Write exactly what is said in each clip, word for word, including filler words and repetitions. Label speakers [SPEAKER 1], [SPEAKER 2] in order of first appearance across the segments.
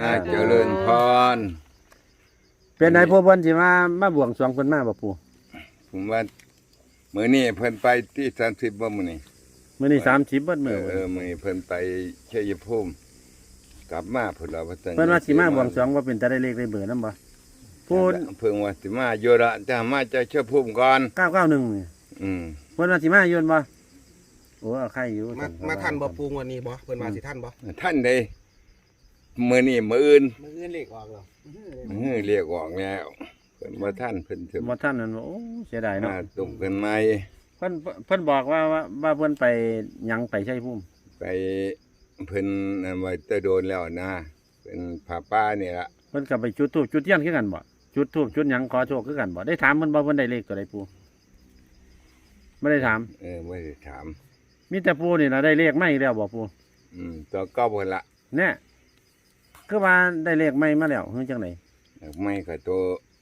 [SPEAKER 1] อ่าเจริญพร
[SPEAKER 2] เป็นนายผู้เพิ่นสิมามาบวงสรวงเพิ่นมาบ่ปู่
[SPEAKER 1] ผมว่ามื้อนี้เพิ่นไปที่สามสิบบ่มื้อนี้
[SPEAKER 2] มื้อนี้สามสิบเบิด
[SPEAKER 1] เอ
[SPEAKER 2] มื้อ
[SPEAKER 1] อเออมื้อนี้เพิ่นไปชัยภูมิกลับมาพุ่นล่ะว่าซั่น
[SPEAKER 2] เพิ่นว่าสิมาบวงสรวงว่าเป็นตาได้เลขได้เบอร์นำบ่พูด
[SPEAKER 1] เพิ่งว่าสิมาอยู่ละจะมาจากชัยภูมิก่อน
[SPEAKER 2] เก้าเก้าหนึ่งนี่
[SPEAKER 1] อืม
[SPEAKER 2] เพิ่นว่าสิมาอยู่บ่โอ้เอาใครอยู่
[SPEAKER 3] มามาทันบ่ปูงวันนี้บ่เพิ่นมาสิทันบ่
[SPEAKER 1] ท่านใดมื้อนี้มื้ออื่น
[SPEAKER 3] มื้ออื่นเลขออกแล้ว
[SPEAKER 1] มื้อเรียกออกแล้วเพิ่นบ่ทันเพิ่นสิ
[SPEAKER 2] บ่ทันนั่นบ่โอ้เสียดายเนาะ
[SPEAKER 1] มาตรงกันใหม่
[SPEAKER 2] เพิ่นเพิ่นบอกว่าว่าว่าเพิ่นไปหยังไปชัยภูมิ
[SPEAKER 1] ไปเพิ่นนั่นไว้แต่โดนแล้วนะเป็นผาป่านี่ล่ะ
[SPEAKER 2] เพิ่นก็ไปจุดธูปจุดเทียนคือกันบ่จุดธูปจุดหยังขอโชคคือกันบ่ได้ถามเพิ่นบ่เพิ่นได้เลขตัวใดปู่ไม่ได้ถาม
[SPEAKER 1] เออไม่ได้ถาม
[SPEAKER 2] มีแต่ปู่นี่ล่ะได้เลขใหม่อีกแล้วบ่ปู่
[SPEAKER 1] อืมตัวเก็เพิ่นละ
[SPEAKER 2] แน่คือว่าได้เลขใหม่มาแล้วคือจังได๋
[SPEAKER 1] ไม่ก็ตัว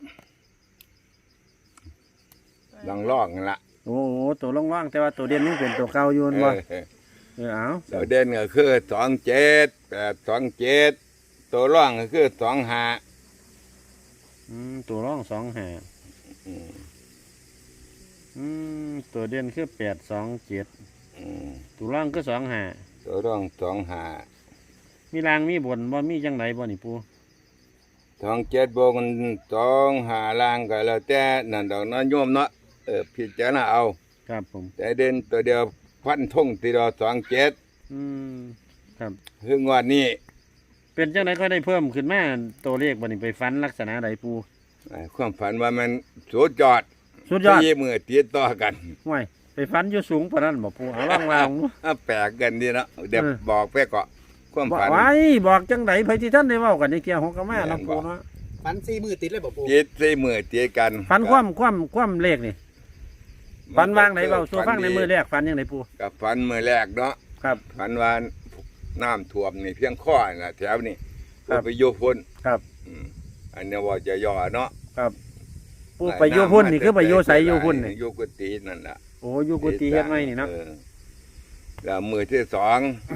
[SPEAKER 1] ลองลอกนั่นละ
[SPEAKER 2] โอ้โหตัวล่องๆแต่ว่าตัวเด่นนี่เป็นตัวเก่าอยู่นั่นบ่
[SPEAKER 1] เออ
[SPEAKER 2] เออเอา
[SPEAKER 1] ตัวเด่นก็คือสองเจ็ดแปดสองเจ็ดตัวร่องก็คือสองห้า
[SPEAKER 2] อืมตัวร่องสองห้า
[SPEAKER 1] อืม
[SPEAKER 2] อืมตัวเด่นคือแปดสองเจ็ด
[SPEAKER 1] อืม
[SPEAKER 2] ตัวร่องคือสองห้า
[SPEAKER 1] ตัวร่องสองห้า
[SPEAKER 2] มีรางมีบนบ่มีจังไดบ่นี่ปู่
[SPEAKER 1] สองเจ็ดบวกสองห้าล่างก็แล้วแต่นั่นดอกน้อยโยมเนาะเออพิจารณาเอา
[SPEAKER 2] ครับผม
[SPEAKER 1] แต่เด่นตัวเดียวพันทงตีดอสองเจ็ด
[SPEAKER 2] อืมครับ
[SPEAKER 1] คืองวดนี้
[SPEAKER 2] เป็นจังไดก็ได้เพิ่มขึ้นมาตัวเลขบ่นี่ไปฟันลักษณะใดปู่
[SPEAKER 1] อ่าความฝันว่ามันสุดยอด
[SPEAKER 2] สุดยอด
[SPEAKER 1] สี่มือติดต่อกัน
[SPEAKER 2] ห่วยไปฟันอยู่สูงปานนั้นบ่ปู่เอาล่องวางดู
[SPEAKER 1] อ่ะแปลกกันดีเนาะเดี๋ยว
[SPEAKER 2] เออ
[SPEAKER 1] บอกไปเกาะความ
[SPEAKER 2] บอก
[SPEAKER 1] ฝัน
[SPEAKER 2] ไว้บอกจังไดไผที่ท่านได้เว้ากันในเกี่ยวของกะมาเนาะปู่เนาะ
[SPEAKER 3] ฟันสี่มือติดเลยบ่ปู
[SPEAKER 1] จิตสี่มือติดกัน
[SPEAKER 2] ฟันความความความเลขนี่ฟันวางไหนเว้าสู่ฟังในมือแร
[SPEAKER 1] ก
[SPEAKER 2] กฟันจังไดปู่
[SPEAKER 1] กับฝันมือแรกเนาะ
[SPEAKER 2] ครับ
[SPEAKER 1] ฝันว่าน้ำท่วมนี่เพียงข้อน่ะแถวนี่
[SPEAKER 2] ครับ
[SPEAKER 1] ไปอยู่พุ่น
[SPEAKER 2] ครับ
[SPEAKER 1] อืมอันนี้ว่าจะย่อเนาะ
[SPEAKER 2] ครับปู่ไปอยู่พุ่นนี่คือไปอยู่ไสอยู่พุ่นนี่
[SPEAKER 1] อยู่กุฏินั่นล่ะ
[SPEAKER 2] โอ้อยู่กุฏิเฮ็ดไว้นี่เนาะ
[SPEAKER 1] ออแล้วมือที่สอง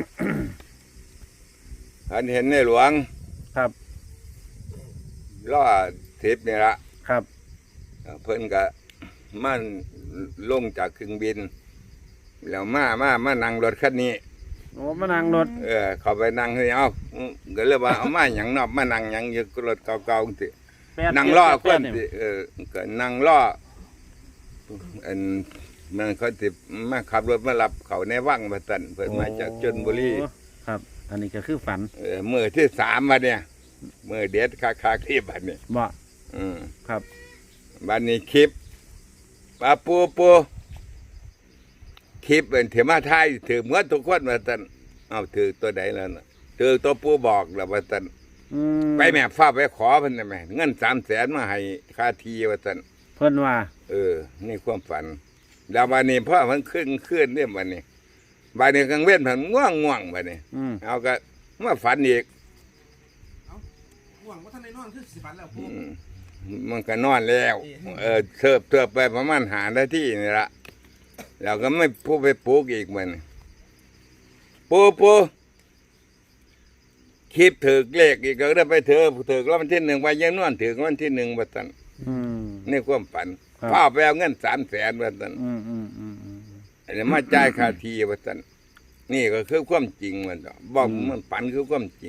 [SPEAKER 1] อันเห็นในหลวง
[SPEAKER 2] ครับ
[SPEAKER 1] ล่อทิพย์นี่ละ
[SPEAKER 2] ครับ
[SPEAKER 1] เพิ่นก็มันลงจากเครื่องบิน แล้วมามามานั่งรถคันนี้
[SPEAKER 2] โอ้มานั่งรถ
[SPEAKER 1] เออเขาไปนั่งที่เอาอืมก็เลยว่าเอามาหยังเนอบมานั่งหยังอยู่รถเก่าๆสิ
[SPEAKER 2] แปด
[SPEAKER 1] นั่งล่อ
[SPEAKER 2] แป
[SPEAKER 1] ค
[SPEAKER 2] ด
[SPEAKER 1] น
[SPEAKER 2] แปด
[SPEAKER 1] สิเออก็นั่งล่ออันมันเขาสิมาขับรถมารับเขาในวังมาตันเพิ่นมาจากชลบุรี
[SPEAKER 2] โอ้ครับ อันนี้ก็คือฝัน
[SPEAKER 1] เออมือที่สามวันเนี่ยมือเด็ดคาคาคลิปบันนี้
[SPEAKER 2] บ่
[SPEAKER 1] อืม
[SPEAKER 2] ครับ
[SPEAKER 1] บันนี้คลิปปลาปูปูคลิปเป็นเถมาไทยถือเหมือนทุกคนมาตันเอาถือตัวไหนแล้วนะถือตัวปูบอกแล้วมาตัน
[SPEAKER 2] อืม
[SPEAKER 1] ไปแม่ฟ้าไปขอเพิ่นได้ไหมเงินสามแสนมาให้ค่าทีว่าตัน
[SPEAKER 2] เพิ่นว่า
[SPEAKER 1] เออ นี่ความฝัน แล้ววันนี้พ่อมันขึ้นขึ้นเนี่ยวันนี้วันนี้กลางเว้นผันง่วงง่วงวันนี้
[SPEAKER 2] อืม
[SPEAKER 1] เอาก็มาฝันอีก
[SPEAKER 3] หวังว่าท่านได้นอนคือสิฟันแล้วปู
[SPEAKER 1] อืมมันก็นอนแล้ว เออเทิบเทิบไปประมาณหานาทีนี่ละเราก็ไม่พูดไปปลูกอีกมันปูปูคลิปถือเลขอีกก็ได้ไปเถอะถือแล้ววันที่หนึ่งไปยังนอนถือวันที่หนึ่งวันตัน
[SPEAKER 2] อืม
[SPEAKER 1] นี่ความฝัน
[SPEAKER 2] ครับ
[SPEAKER 1] พ่อไปเอาเงินสามแสนวันตัน
[SPEAKER 2] อืมอืมอืมอืม
[SPEAKER 1] อันนี้มาจ่ายค่าทีวันตันนี่ก็คือความจริงมันต่อบอก
[SPEAKER 2] อืม
[SPEAKER 1] มันฝันคือความจริง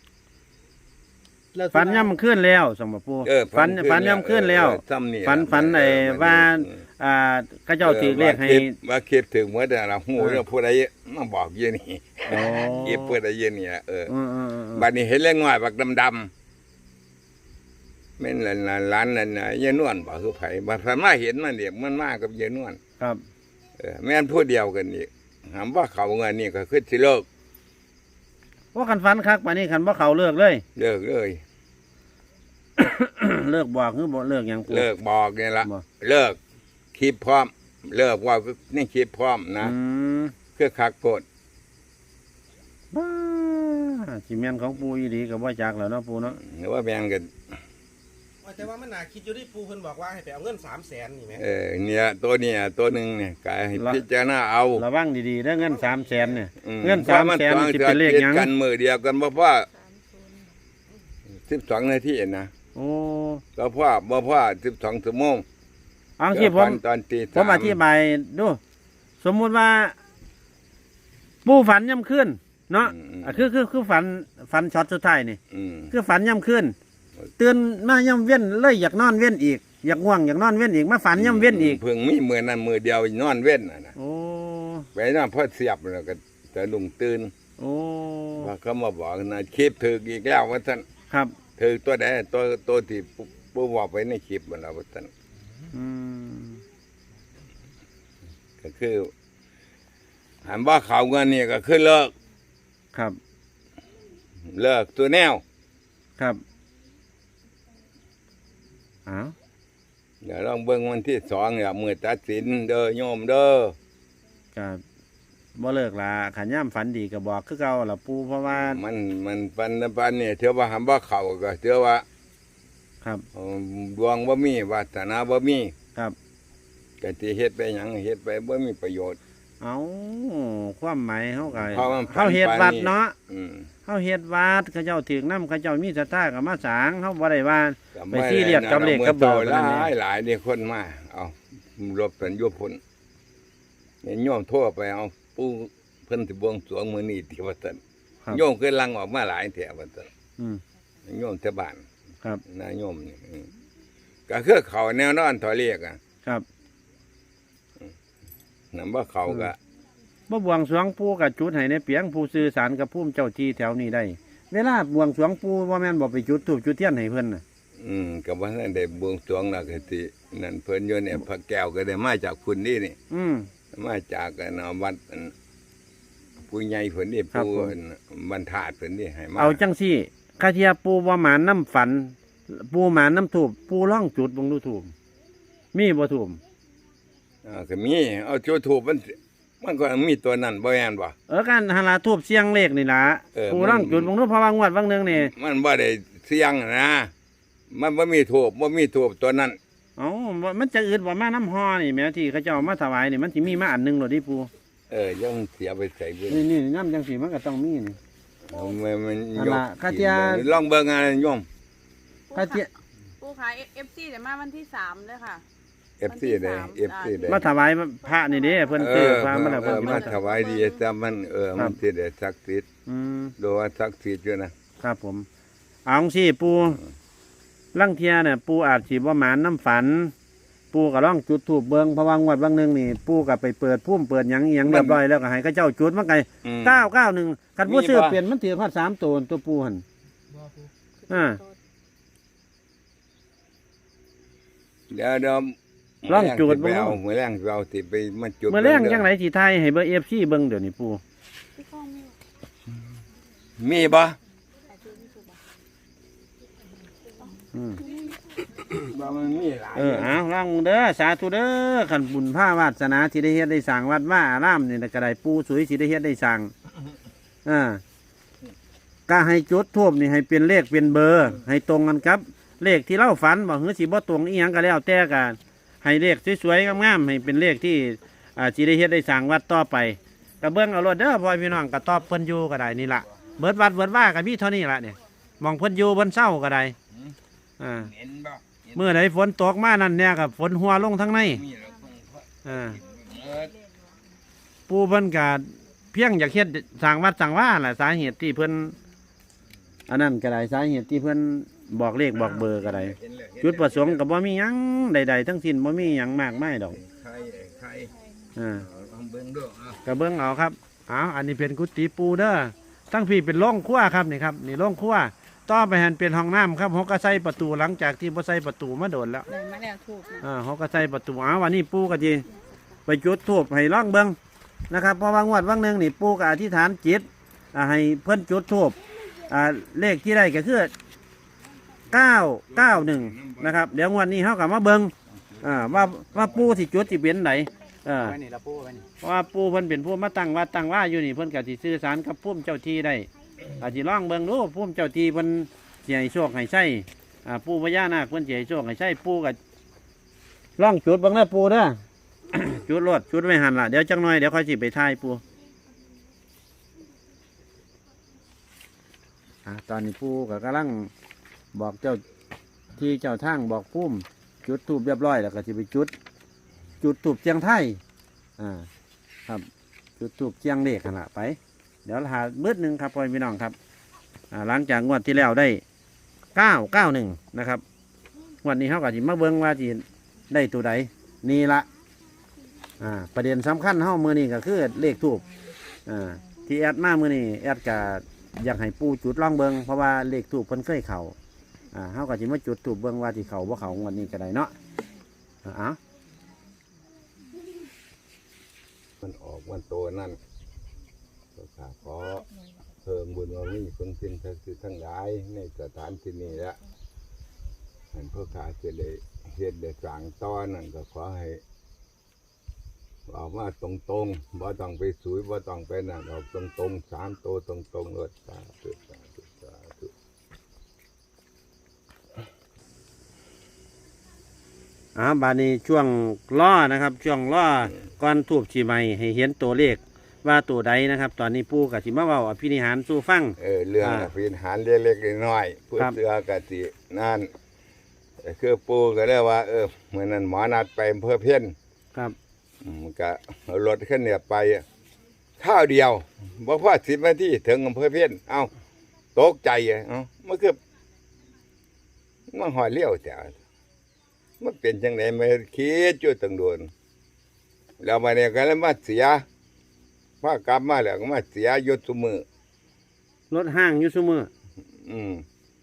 [SPEAKER 2] ฝันย่ำขึ้นแล้วสมบัติปู
[SPEAKER 1] เออ
[SPEAKER 2] ฝันฝันย่ำขึ้นแล้ว
[SPEAKER 1] เออซ้ำนี่
[SPEAKER 2] ฝันฝันไอ้ว่าอ่าข้าเจ้าถือเลขให้
[SPEAKER 1] ว่าคลิปถึงเมื่อแต่เราหู
[SPEAKER 2] เออ
[SPEAKER 1] เรื่องผู้ใดมาบอกเยี่ยนี่
[SPEAKER 2] โอ้
[SPEAKER 1] คลิปผู้ใดเยี่ยนี่เออ
[SPEAKER 2] อืมอืมอืมอืม
[SPEAKER 1] บัดนี้เห็นเรื่องง่อยบักดำๆแม่นหลานหลานนั่นน่ะยายนวลบอกคือไผบัดพันมาเห็นมันเด็กมันมากับยายนวล
[SPEAKER 2] ครับ
[SPEAKER 1] เออแม่นผู้เดียวกันอีกถามว่าเขาเงินนี่ก็คือสิเลิก
[SPEAKER 2] ว่าคันฝันคักปานนี้คันบ่เขาเลิกเลย
[SPEAKER 1] เลิกเลย
[SPEAKER 2] เลิกบอกคือบ่เลิกหยังปู
[SPEAKER 1] เลิกบอกนี่ละ
[SPEAKER 2] บ่
[SPEAKER 1] เลิกคลิปพร้อม เลิกว่านี่คลิปพร้อมนะ
[SPEAKER 2] อืม
[SPEAKER 1] คือคักโกด
[SPEAKER 2] บ้าสิแม่นของปูอีหลีก็บ่จักแล้วเนาะปูเนาะ
[SPEAKER 1] หรือว่าแบ่งกัน
[SPEAKER 3] แต่ว่ามันน่าคิดอยู่ที่ปูเพิ่นบอกว่าให้ไปเอาเงินสามแสนนี่แหม
[SPEAKER 1] เออเนี่ยตัวเนี่ยตัวหนึ่งเนี่ยกายให้พิจารณาเอา
[SPEAKER 2] ระวังดีๆเด้อเงินสามแสนเนี่ย
[SPEAKER 1] อืม
[SPEAKER 2] เงินสามแสน
[SPEAKER 1] พระ
[SPEAKER 2] สิเป็นเลขหยัง
[SPEAKER 1] กันมือเดียวกันเพราะว่าสิบสองนาทีนะ
[SPEAKER 2] โอ้
[SPEAKER 1] ก็พ่อบ่พ่อสิบสองชั่วโมง
[SPEAKER 2] เอาที่ผม
[SPEAKER 1] ตอนตี
[SPEAKER 2] ผมอธิบายดูสมมุติว่า ปูฝันย่ำขึ้นเนาะอ่ะคือคือคือฝันฝันช็อตสุดท้ายนี่
[SPEAKER 1] อืม
[SPEAKER 2] คือฝันย่ำขึ้นตื่นมาย่ำเว้นเลยอยากนอนเว้นอีกอยากง่วงอยากนอนเว้นอีกมาฝันย่ำเว้นอีก
[SPEAKER 1] เพิ่งมีมือนั้นมือเดียวนอนเว้นน่ะนะ
[SPEAKER 2] โอ้
[SPEAKER 1] ไปนอนพอเสียบแล้วก็จะลุงตื่น
[SPEAKER 2] โอ้
[SPEAKER 1] ว่าเขามาบอกนะคลิปถึกอีกแล้วว่าท่าน
[SPEAKER 2] ครับ
[SPEAKER 1] ถึกตัวใดตัวตัวที่ปู่บอกไปในคลิปมันแล้วว่าท่าน
[SPEAKER 2] อืม
[SPEAKER 1] ก็คือหันว่าเขาเงินนี่ก็คือเลิก
[SPEAKER 2] ครับ
[SPEAKER 1] เลิกตัวแนว
[SPEAKER 2] ครับอ้าว
[SPEAKER 1] เดี๋ยวลองเบิ่งวันที่สองเนี่ยมือตัดสินเด้อโยมเด้อ
[SPEAKER 2] ก็บ่เลิกละขันย่ำฝันดีก็บอกคือเก่าละปูเพราะว่า
[SPEAKER 1] มันมันปันปันเนี่ยเท่าว่าหันว่าเขาก็เท่าว่า
[SPEAKER 2] ครับ
[SPEAKER 1] เอ่อดวงบ่มีวาสนาบ่มี
[SPEAKER 2] ครับ
[SPEAKER 1] ก็สิเฮ็ดไปหยังเฮ็ดไปบ่มีประโยชน์
[SPEAKER 2] เอาความหมายเขาก็
[SPEAKER 1] เพราะมัน
[SPEAKER 2] เขาเฮ็ดวัดเนาะ
[SPEAKER 1] อืม
[SPEAKER 2] เขาเฮ็ดวัดเขาเจ้าถึงน้ำเขาเจ้ามีศรัทธากับมาสร้างเขาบ่ได้ว่า
[SPEAKER 1] ก็
[SPEAKER 2] ไปซีเรียสกับเลขกับเบอร์
[SPEAKER 1] ห
[SPEAKER 2] ปานนั้น
[SPEAKER 1] ลา
[SPEAKER 2] เด้
[SPEAKER 1] ยหลายนี่คนมาเอารบสันยุพลเนี่ยโยมโทรไปเอาปู่เพิ่นสิบวงสรวงมื้อนี้ที่ว่าซั่น
[SPEAKER 2] ครับ
[SPEAKER 1] โยมเคยลังออกมาหลายแถวว่าซั่น
[SPEAKER 2] อืม
[SPEAKER 1] โยมแต่บ้าน
[SPEAKER 2] ครับ
[SPEAKER 1] นายโยมนี่อืมก็คือเขาแนวนอนถอยเรียกอ่ะ
[SPEAKER 2] ครับ
[SPEAKER 1] นำว่าเขาก็
[SPEAKER 2] บ่บวงสรวงปู่กับจุดให้ในเปียงผู้สื่อสารกับผู้เจ้าที่แถวนี้ได้ เวลาบวงสรวงปู่ว่าแม่นบ่ไปจุดธูปจุดเทียนให้เพิ่นน่ะ
[SPEAKER 1] อืมก็บ่ทันได้บวงสรวงแล้วก็สินั่นเพิ่นอยู่เนี่ยพระแก้วก็ได้มาจากคุณนี่นี่
[SPEAKER 2] อืม
[SPEAKER 1] มาจากกันเอาวัดอันผู้ใหญ่เพิ่นนี่
[SPEAKER 2] ครับ
[SPEAKER 1] ผู้
[SPEAKER 2] ผม
[SPEAKER 1] อันบรรทาดเพิ่นนี่ให้มา
[SPEAKER 2] เอาจังซี่คาเทียปู่บ่หมานน้ำฝัน ปู่หมานน้ำธูปปู่ร้องจุดเบ่งดูธูปมีบ่ธูป
[SPEAKER 1] อ่าก็มีเอาจุดถูกมันมันก็มีตัวนั้นบ่แม่นบ่
[SPEAKER 2] เออการหาลาทูบเสียงเลขนี่ล่ะ
[SPEAKER 1] เออ
[SPEAKER 2] ผู้
[SPEAKER 1] มัน
[SPEAKER 2] ร่างจุดบางนู้นเพราะว่างวดบางหนึงนี่
[SPEAKER 1] มันบ่ได้เสียงนะ มันบ่มีถูกบ่มีถูกตัวนั้น
[SPEAKER 2] เอ้าบ่มันจะอืดบ่มาน้ำฮอนี่แหม่ที่เขาเจ้ามาถวายนี่มันสิมีมาอันหนึงโลดดิปู
[SPEAKER 1] เออยังเสียไปใส่เบิ่ง
[SPEAKER 2] นี่นี่น้ำจังสีมันก็ต้องมีนี่
[SPEAKER 1] เอามันมัน
[SPEAKER 2] อัน
[SPEAKER 1] ยก
[SPEAKER 2] ละคาเทีย
[SPEAKER 1] ลองเบิ่งอะไรโยม
[SPEAKER 2] คาเทีย
[SPEAKER 4] ปูขายเอฟซีเดี๋ยวมาวันที่สามเลยค่ะ
[SPEAKER 1] เอฟซีได้ เอฟซี ได้
[SPEAKER 2] มาถวายพระนี่เด้เพิ่น
[SPEAKER 1] เอ
[SPEAKER 2] ซื้อ
[SPEAKER 1] อ
[SPEAKER 2] พระมาแล้ว
[SPEAKER 1] เอ
[SPEAKER 2] เพิ่น
[SPEAKER 1] อ
[SPEAKER 2] สิ
[SPEAKER 1] มา
[SPEAKER 2] มา
[SPEAKER 1] ถวายดีแต่มันเออมันสิได้ศักดิ์สิทธิ์
[SPEAKER 2] อืม
[SPEAKER 1] ดูว่าศักดิ์สิทธิ์อยู่นะครับ
[SPEAKER 2] ผมเอาจังซี่ปูลังเทียเนี่ยปูอาจสิบ่หมานน้ำฝัน ปูก็ร้องจุดธูปเบิ่งเพราะว่างวดบางหนึงนี่ปูก็ไปเปิดพุ่มเปิดหยังอิหยังเรียบร้อยแล้วก็ให้เขาเจ้าจุดมันไง
[SPEAKER 1] อืม
[SPEAKER 2] เก้าเก้าหนึ่งคันผู้
[SPEAKER 1] มี
[SPEAKER 2] ซื้อ
[SPEAKER 1] บ่
[SPEAKER 2] เปลี่ยนมันถือพอดสามตัวตัวปูหั่นอ่า
[SPEAKER 1] เดี๋ยวเดี๋ยว
[SPEAKER 2] ลองจูด
[SPEAKER 1] ไป
[SPEAKER 2] เบิ่ง
[SPEAKER 1] เอามื้อแรงสิเอาสิไปมาจุด
[SPEAKER 2] เมื่อแรง
[SPEAKER 1] บิ่
[SPEAKER 2] จังไรสีไทยให้เบอร์เอฟซีเบิ่งเดี๋ยวนี้ปู
[SPEAKER 4] พี่ก้องมี
[SPEAKER 1] มีบ่
[SPEAKER 2] อืม
[SPEAKER 1] บ่มันมีหลาย
[SPEAKER 2] เออเอาลองเด้อสาธุเด้อขันบุญผ้าวาสนาที่ได้เฮ็ดได้สั่งวัดว่าอารามนี่นะก็ได้ปูสวยที่ได้เฮ็ดได้สั่งอ่าก็ให้จุดทูบนี่ให้เป็นเลขเป็นเบอร์ ให้ตรงกันครับ เลขที่เล่าฝันบอกเฮ้ยสิบ่ตรงอีหยังก็แล้วแต่กันให้เลขสวยๆงามๆให้เป็นเลขที่อ่าสิได้เฮ็ดได้สั่งวัดต่อไปก็เบิ่งเอารถเด้อพ่อพี่น้องก็ตอบเพิ่นอยู่ก็ได้นี่ล่ะเบิดวัดเบิดว่าก็มีเท่านี้ล่ะเนี่ยมองเพิ่นอยู่บนเศร้าก็ได้อ่า
[SPEAKER 1] เห็นบ่
[SPEAKER 2] เมื่อใดฝนตกมานั่นเนี่ยกับฝนหัวลงทั้งใน
[SPEAKER 1] มีแล้วคงพอ
[SPEAKER 2] อ่า
[SPEAKER 1] เออ
[SPEAKER 2] ปูเพิ่นกาเพียงอยากเฮ็ดสร้างวัดสร้างว่าแหละสาเหตุที่เพิ่นอันนั้นก็ได้สาเหตุที่เพิ่นบอกเลขบอกเบอร์ก็ได้
[SPEAKER 1] เห็นแล้วเห็น
[SPEAKER 2] จุดประสงค์ก็บ่มีหยังใดๆทั้งสิ้นบ่มีหยังมากมายดอก
[SPEAKER 1] ใครใคร
[SPEAKER 2] อ่า
[SPEAKER 1] เอาลองเบิ่งดูเอา
[SPEAKER 2] ก็เบิ่งเอาครับเอาอันนี้เป็นกุฏิปูเด้อทั้งพี่เป็นโรงครัวครับนี่ครับนี่โรงครัวต่อไปหันเป็นห้องน้ำครับเขาก็ใส่ประตูหลังจากที่บ่ใส่ประตูมาโดนแล้ว
[SPEAKER 4] ได้มาแล้วถูกนะ
[SPEAKER 2] อ่าเขาก็ใส่ประตูอ้าววันนี้ปู่ก็จีไปจุดธูปให้ร่องเบิงนะครับเพราะว่างวดว่างหนึ่งนี่ปู่ก็อธิษฐานจิตอ่าให้เพิ่นจุดธูปอ่าเลขที่ได้ก็คือเก้าเก้าหนึ่งนะครับเดี๋ยวงวดนี้เขาก็มาเบิงอ่าว่าว่าปู่สิจุดสิเป็นไหนอ่า
[SPEAKER 3] ไว้นี่ละปูไว้นี่
[SPEAKER 2] เพราะว่าปู่เพิ่นเป็นผู้มาตั้งวัดตั้งว่าอยู่นี่เพิ่นก็สิสื่อสารกับผู้เจ้าที่ได้อาจสิร่องเบิงดูผู้เจ้าที่เพิ่นสิให้โชคให้ใช้อ่าปู่พญานาคเพิ่นสิให้โชคให้ใช้ปู่ก็ ล่องจุดเบังนะปูเด้อ จุดรถจุดไว้หันละเดี๋ยวจังหน่อยเดี๋ยวค่อยสิไปถ่ายปูอ่ะตอนนี้ปูก็กำลังบอกเจ้าที่เจ้าทางบอกพุ่มจุดทูบเรียบร้อยแล้วก็จะไปจุด จุดทูบเจียงไทยอ่าครับจุดทูบเจียงเลขขนาดไป เดี๋ยวหาเบิดหนึ่งครับพ่อพี่น้องครับอ่าหลังจากงวดที่แล้วได้เก้าเก้าหนึ่งนะครับงวดนี้เขาก็จะมาเบิ้งว่าจีได้ตัวใดนี่ละอ่าประเด็นสำคัญเฮามือนี้ก็คือเลขทูบอ่าที่แอดมามือนี้แอดก็อยากให้ปูจุดล่องเบิงเพราะว่าเลขทูบเพิ่นเคยเข่าอ่าเฮาก็จะมาจุดทูบเบิงว่าที่เข่าบ่เข่างวดนี้ก็ได้เนาะอ่า
[SPEAKER 1] มันออกวันโตนั่นก็ข้าขอเพิ่มบุญว่ามีคนสิ้นทั้งคือทั้งหลายในสถานที่นี้ละเห็นพวกข้าจะได้เฮ็ดได้สร้างต้อนนั่นก็ขอให้ออกมาตรงๆบ่ต้องไปสุยบ่ต้องไปนั่นออกตรงๆสามโตตรงๆรถสาธุสาธุสาธุ
[SPEAKER 2] อ่าบาดนี้ช่วงล้อนะครับช่วงล้อก่อนทูบชีใหม่ให้เห็นตัวเลขว่าตัวใดนะครับ ตอนนี้ปู่กับชิมาเว้าอภินิหารสู่ฟัง
[SPEAKER 1] เออเรื่อง
[SPEAKER 2] อ่า
[SPEAKER 1] อภินิหารเล็กๆน้อยๆผู้
[SPEAKER 2] ครับ
[SPEAKER 1] เสือกะสินั่นคือปูก็เลยว่า เออเหมือนนั้นหมอนัดไปอำเพื่อเพี้ยน
[SPEAKER 2] ครับ
[SPEAKER 1] อืมก็เอารถขึ้นเนี่ยไปข้าวเดียวบ่พอสิบนาทีถึงอำเภอเพี้ยนเอ้าตกใจอ่ะเอ้ามันคือมันหอยเลี้ยวแต่มันเป็นจังไดมาคิดอยู่ตั้งโดนแล้วมาเนี่ยก็เลยมาเสียพากลับมาแล้วก็มาเสียอยศซุมือ
[SPEAKER 2] รถห้างอยู่ซุมือ
[SPEAKER 1] อืม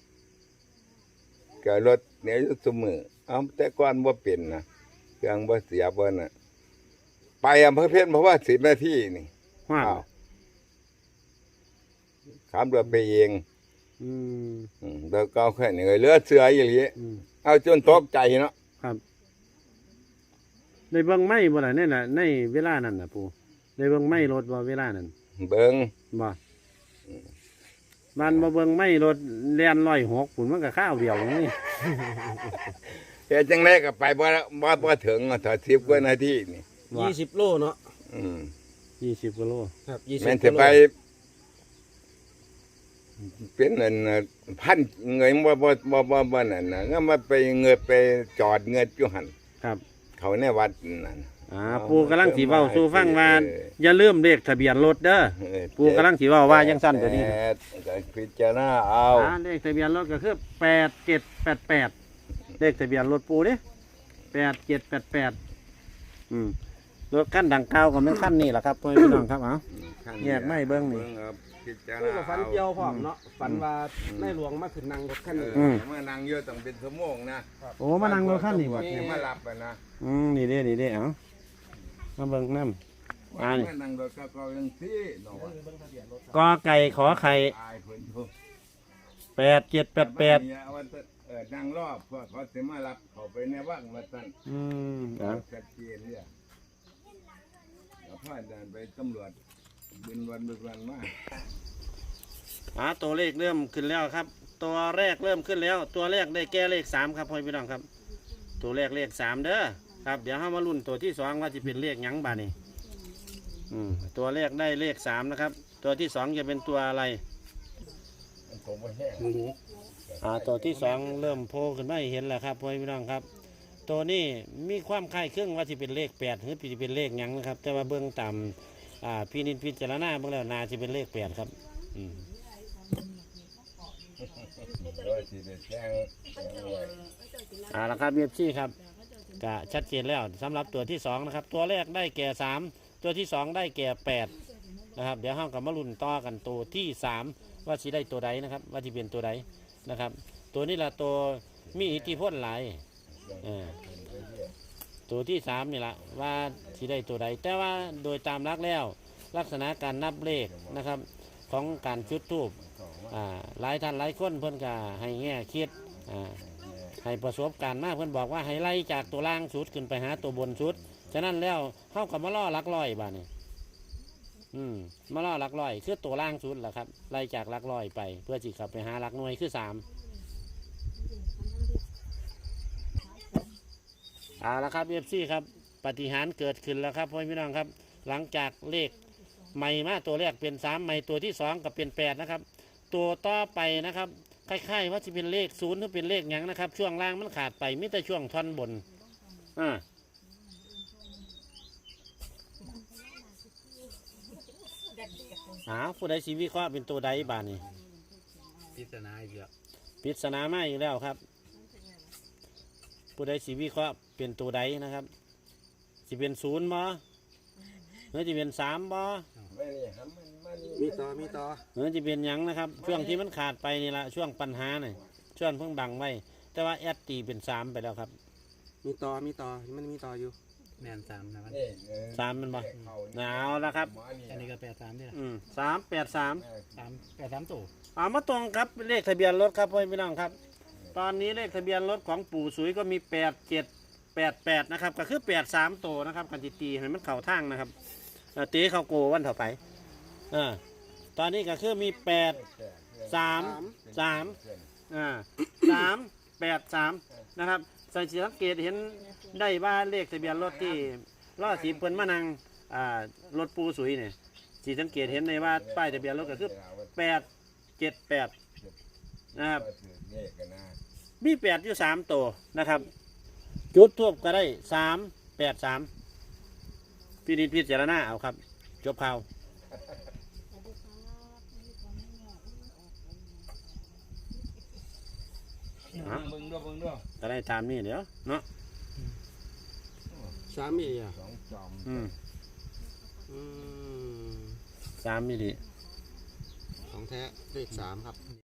[SPEAKER 1] ก็รถเนี่ยอยู่ซุมือเอาแต่ก่อนบ่เป็นนะเครื่องบ่เสียบ่น่ะไปอำเภอเพี้ยนเพราะว่าสิบนาทีนี่
[SPEAKER 2] ว่า
[SPEAKER 1] อ้าวขับรถไปเอง
[SPEAKER 2] อืม
[SPEAKER 1] อืมแล้วก็แค่นี้เหลือเสืออย่างนี้
[SPEAKER 2] อืม
[SPEAKER 1] เอาจนตกใจเนาะ
[SPEAKER 2] ครับได้เบิ่งไม้บ่ล่ะในน่ะในเวลานั้นน่ะปู่ได้เบิ่งไม้รถบ่เวลานั้น
[SPEAKER 1] เบิ่ง
[SPEAKER 2] บ่บ้านบ่เบิ่งไม้รถแล่นร้อยหกปุ่นมันก็ข้าวเดียวนี่
[SPEAKER 1] แต่จังไดก็ไปบ่บ่บ่ถึงถ้าสิบกว่านาทีนี่
[SPEAKER 2] ว่า
[SPEAKER 3] ยี่สิบโลเนาะ
[SPEAKER 1] อืม
[SPEAKER 2] ยี่สิบกิโล
[SPEAKER 3] ครับยี่สิบ
[SPEAKER 1] แม่น
[SPEAKER 3] กิ
[SPEAKER 1] สิ
[SPEAKER 3] โล
[SPEAKER 1] ไป เป็นนั่นน่ะพันเงยบ่บ่บ่บ่บ่นั่นน่ะงั้นมาไปเงยไปจอดเงยอยู่หั่น
[SPEAKER 2] ครับ
[SPEAKER 1] เขาในวัดนั่น
[SPEAKER 2] อ่าปู่กำลังสิเว้าสู่ฟังว่า
[SPEAKER 1] เออ
[SPEAKER 2] อย่าลืมเลขทะเบียนรถเด้อ
[SPEAKER 1] เออ
[SPEAKER 2] ปู่กำลังสิเว้าว่าจังซั่นตัวนี้
[SPEAKER 1] แปดก็พิจารณาเอา
[SPEAKER 2] อ่าเลขทะเบียนรถก็คือแปดเจ็ดแปดแปดเลขทะเบียนรถปู่เด้แปดเจ็ดแปดแปดอืมรถคันดังกล่าวก็เป็นคันนี้แหละครับพ่อพี่น้องครับเอา แยกไม่เบิ่งนี่
[SPEAKER 1] ครับพิจาร
[SPEAKER 3] นี่
[SPEAKER 1] ณา
[SPEAKER 3] ก็ฝันเกี่ยวพร้อมเนาะฝันว่าในหลวงมาขึ้นนั่งรถคัน
[SPEAKER 1] เอ
[SPEAKER 3] นี้
[SPEAKER 1] อ
[SPEAKER 2] ม
[SPEAKER 1] มานั่งเยอะต้องเป็นชั่วโมงนะ
[SPEAKER 2] โอ้มานั่งรถคันนี้บ่
[SPEAKER 1] เนี่ยมาหลับไปนะ
[SPEAKER 2] อืมนี่เด้นี่เด้เอามาเบิ่งน้ำอ่านี่
[SPEAKER 1] มานั่งรถก็ก็ยังซี่เนาะ
[SPEAKER 2] กอไก่ขอไข่
[SPEAKER 1] ตายเพิ่นทุก
[SPEAKER 2] แปดเจ็ดแปดแปด
[SPEAKER 1] เอาว่าแต่เออนั่งรอบเพื่อเขาสิมารับเขาไปในว่างมาตั้ง
[SPEAKER 2] อืม
[SPEAKER 1] เอา
[SPEAKER 2] เอา
[SPEAKER 1] ชัดเจนเนี่ยแล้วพาเดินไปตำรวจบินวันบินวันมา
[SPEAKER 2] อ่าตัวเลขเริ่มขึ้นแล้วครับ ตัวแรกเริ่มขึ้นแล้ว ตัวแรกได้แก่เลขสามครับพ่อพี่น้องครับ ตัวแรกเลขสามเด้อครับ เดี๋ยวเรามาลุ้นตัวที่สองว่าจะเป็นเลขหยังบาดนี่อืมตัวแรกได้เลขสามนะครับ ตัวที่สองจะเป็นตัวอะไร
[SPEAKER 1] มันคงไม่แห้ง
[SPEAKER 2] อ่าตัวที่สองเริ่มโผล่ขึ้นมาให้เห็นแล้วครับพ่อพี่น้องครับ ตัวนี้มีความคล้ายคลึงว่าจะเป็นเลขแปดหรือจะเป็นเลขหยังนะครับ แต่ว่าเบื้องต่ำอ่าพี่นินพิจารณาเบื้องแล้วนาจะเป็นเลขแปดครับอืม
[SPEAKER 1] โดยที่ได้แจ้งแจ้งไว้
[SPEAKER 2] อ่าละครับเบียบซี่ครับก็ชัดเจนแล้วสำหรับตัวที่สองนะครับ ตัวแรกได้แก่สามตัวที่สองได้แก่แปดนะครับ เดี๋ยวห้องกับมาลุ้นต่อกันตัวที่สามว่าสิได้ตัวใดนะครับ ว่าจะเป็นตัวใดนะครับ ตัวนี้ละตัวมีอิทธิพลหลายเออตัวที่สามนี่ละว่าสิได้ตัวใด แต่ว่าโดยตามลักแล้ว ลักษณะการนับเลขนะครับ ของการจุดธูปอ่าหลายท่านหลายคนเพื่อนก็ให้แง่คิดอ่าให้ประสบการณ์มากเพื่อนบอกว่าให้ไล่จากตัวล่างสุดขึ้นไปหาตัวบนสุดฉะนั้นแล้วเข้ากับมาล่อหลักร้อยบ้านี่อืมมาล่อหลักร้อยคือตัวล่างสุดแหละครับไล่จากหลักร้อยไป เพื่อจิขับไปหาหลักหน่วยคือสามเอาละครับเอฟซีครับปฏิหารย์เกิดขึ้นแล้วครับพ่อพี่น้องครับ หลังจากเลขใหม่มาตัวแรกเป็นสามใหม่ตัวที่สองก็เป็นแปดนะครับ ตัวต่อไปนะครับคล้ายๆว่าจะเป็นเลขศูนย์หรือเป็นเลขหยังนะครับ ช่วงล่างมันขาดไปมิแต่ช่วงท่อนบนอ่าอ้าวผู้ใดสีวิเคราะห์เป็นตัวใดบ้านี่
[SPEAKER 5] พิจารณาอีกแล้ว
[SPEAKER 2] ปริศนามาอีกแล้วครับ ผู้ใดสีวิเคราะห์เป็นตัวใดนะครับสิเป็นศูนย์บ่หรือจะเป็นสามบ่
[SPEAKER 1] ไม่นี่หำมันมานี่
[SPEAKER 3] มีต่อมีต่อ
[SPEAKER 2] หรือจะเป็นหยังนะครับ ช่วงที่มันขาดไปนี่ละช่วงปัญหาเนี่ยช่วงเพิ่งบังไว้ แต่ว่าแอดตีเป็นสามไปแล้วครับ
[SPEAKER 3] มีต่อมีต่อมันมีต่ออยู่
[SPEAKER 5] แมนสามนะมัน
[SPEAKER 1] นี่เออ
[SPEAKER 2] สามมันบ่
[SPEAKER 1] เขา
[SPEAKER 2] หนาวแล้วครับ
[SPEAKER 1] หมอนี่
[SPEAKER 5] อันนี้ก็แปดสามเนี่ย
[SPEAKER 2] อืมสามแปดสาม
[SPEAKER 5] สามแปดสามตัว
[SPEAKER 2] เอามาตรงครับเลขทะเบียนรถครับพ่อพี่น้องครับ ตอนนี้เลขทะเบียนรถของปู่สุยก็มีแปดเจ็ดแปดแปดนะครับก็คือแปดสามโตวนะครับกันจิตีให้มันเข่าทางนะครับเอ่อตีเข้าโกวันต่อไปอ่าตอนนี้ก็คือมีแปดสามสามอ่าสามแปดสามนะครับสังเกตเห็นได้ว่าเลขทะเบียนรถที่ล้อสีเพิ่นมานังอ่ารถปูสุยเนี่ยสีสังเกตเห็นในว่าป้ายทะเบียนรถก็คือแปดเจ็ดแปดนะครับ
[SPEAKER 1] เลขกันนะ
[SPEAKER 2] มีแปดอยู่สามตัวนะครับ จุดทูบก็ได้สามแปดสามพี่นิดพิจารณาเอาครับ จบข่าวอ่ะ
[SPEAKER 5] เบิ่งด้วยเบิ่งด้วย
[SPEAKER 2] ก็ได้ตามนี้เดี๋ยวเนาะ
[SPEAKER 3] สามมีอ่ะ
[SPEAKER 1] สองจอม
[SPEAKER 2] อืม
[SPEAKER 3] อืม
[SPEAKER 2] สามมิลลิ
[SPEAKER 3] ของแท้เลขสามครับ